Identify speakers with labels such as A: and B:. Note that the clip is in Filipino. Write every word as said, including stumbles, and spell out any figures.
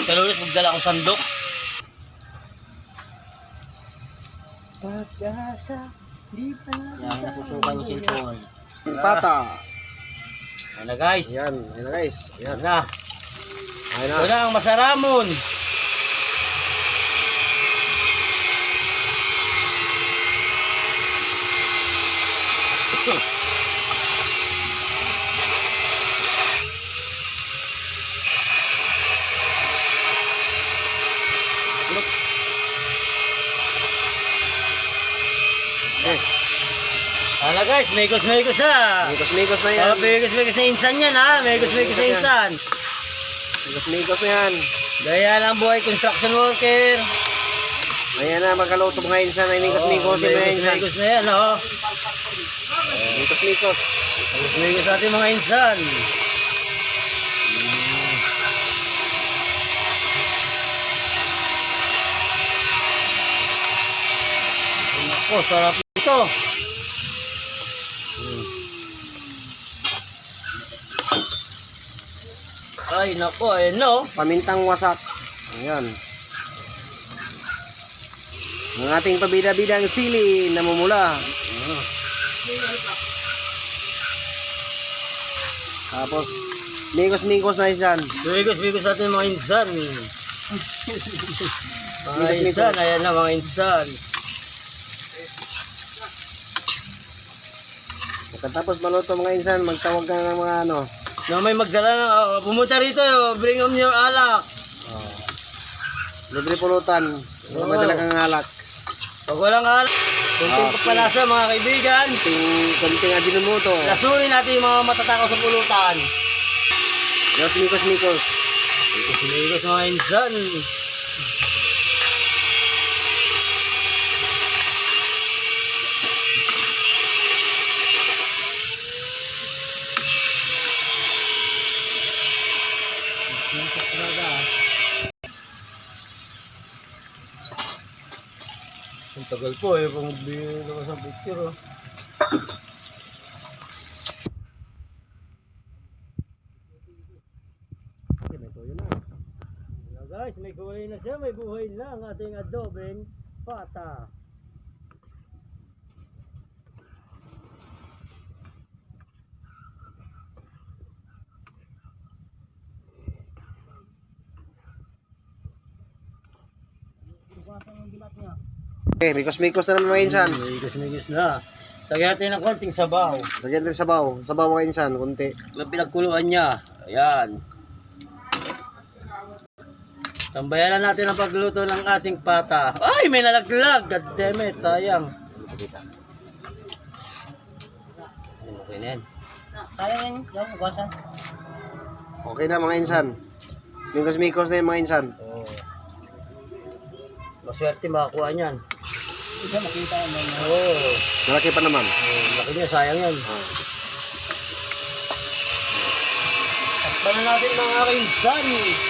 A: Kalulis, magdala akong sandok.
B: Pag-asa, di pa
A: Yan, napusukan yung cellphone.
C: Pata.
A: Ayan na guys.
C: Ayan, ayan na guys.
A: Ayan
C: Ayan.
A: na.
C: Ayan
A: Ito
C: na.
A: na ang masaramon.
C: Okay.
A: Hala guys, mekos-mekos na.
C: Mikos-mikos na yan.
A: Oh, mekos-mekos na insan yan ha. Mekos-mekos na insan.
C: Mikos-mikos na yan.
A: Gaya lang buhay construction worker.
C: Ayan na, magkaluto mga insan. Ay mikos-mikos yung mga insan.
A: Mekos-mekos na yan oh.
C: Mikos-mikos.
A: Mekos-mekos natin mga insan. Oh, sarap ito. Ay, nako, ayun no.
C: Pamintang wasak. Ayan. Ang ating pabida-bidang sili namumula. Tapos, mikos-mikos na insan.
A: Bigos-bigos natin mga insan. Mga insan, ayan na mga insan.
C: Pagkatapos maluto mga insan, magtawag ka ng mga ano.
A: Na may magdala na, oh, pumunta rito, oh, bring on your alak.
C: Oh. Libre pulutan.
A: Oo.
C: Madala kang alak.
A: Pag walang alak, kunting
C: Okay.
A: kapalasa mga kaibigan.
C: Kunting, kunting ajinomoto.
A: Lasunin natin yung mga matatakaw sa pulutan.
C: Los mikos-mikos.
A: Bigos-bigos mga insan. Ang tagal po eh, kung bigyan sa picture oh.
C: Okay, may toyo na.
A: Hello guys, may buhay na siya, may buhay na ang ating adobeng pata.
C: Okay, mikos-mikos na naman mga insan.
A: Migis-migis na. Lagyan natin ng konting sabaw.
C: Lagyan natin sabaw. Sabaw mga insan, kunti.
A: Yung pinagkuluan niya. Ayan. Tambayan na natin ang pagluto ng ating pata. Ay, may nalaglag. God damn it, sayang. Ayun, okay na yan. Sayang yan, yan, ugasan.
C: Okay na mga insan. Mikos-mikos na yung mga insan.
A: Oo. Maswerte makakuha niyan. Hindi makita naman. Oo.
C: Malaki pa naman.
A: Oh, laki niya, sayang yan. Takpan na natin mga kainsan.